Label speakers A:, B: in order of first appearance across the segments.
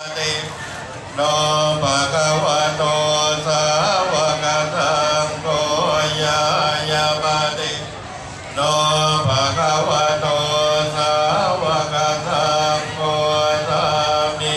A: โนภะคะวะโตสาวกสังโฆยายาปฏิโนภะคะวะโตสาวกสังโฆสามิ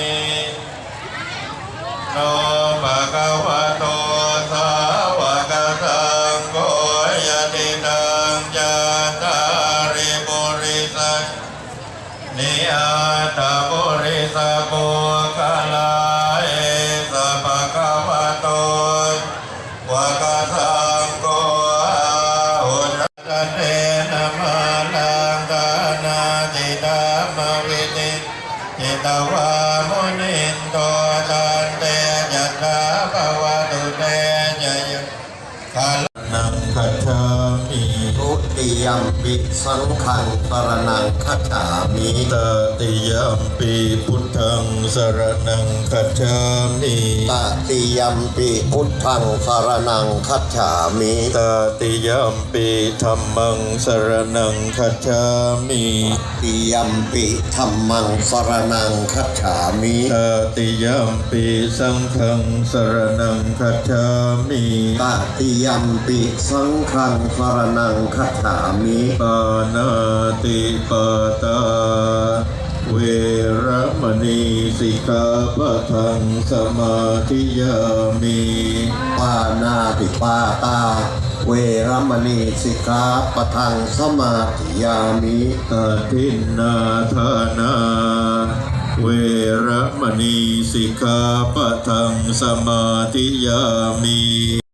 A: โนภะคะวะโตสาวกสังโฆยติตังจาตาริปุริสังนิอาตาปุริสโภคลาเอสะภะคะวะโตวะกะสังโฆอาหุรัตเตนะมาลังกานาติธรรมวิติจิตวามุนินโตตันเตยัตถาภวตุเตยยะคาลังคัจฉามิ
B: ทุติยัมปิสังฆังสรณังคัจฉามิ
A: ตติยัมปีพุทธังสรณังคัจฉามิ
B: ตติยัมปิพุทธังสรณังคัจฉามิ
A: ตติยัมปีธัมมังสรณังคัจฉามิ
B: ติยัมปิธัมมังสรณังคัจฉามิ
A: ตติยัมปีสังฆังสรณังคัจฉามิ
B: ตติยัมปิสังฆังสรณังคัจฉามิ
A: ปานาติปาตาเวรมณีสิกขาปะทังสมาธิยามิ
B: ปานาติปาตาเวรมณีสิกขาปะทังสมาธิยามิ
A: อาทินนาทานาเวรมณีสิกขาปะทังสมาธิยามิ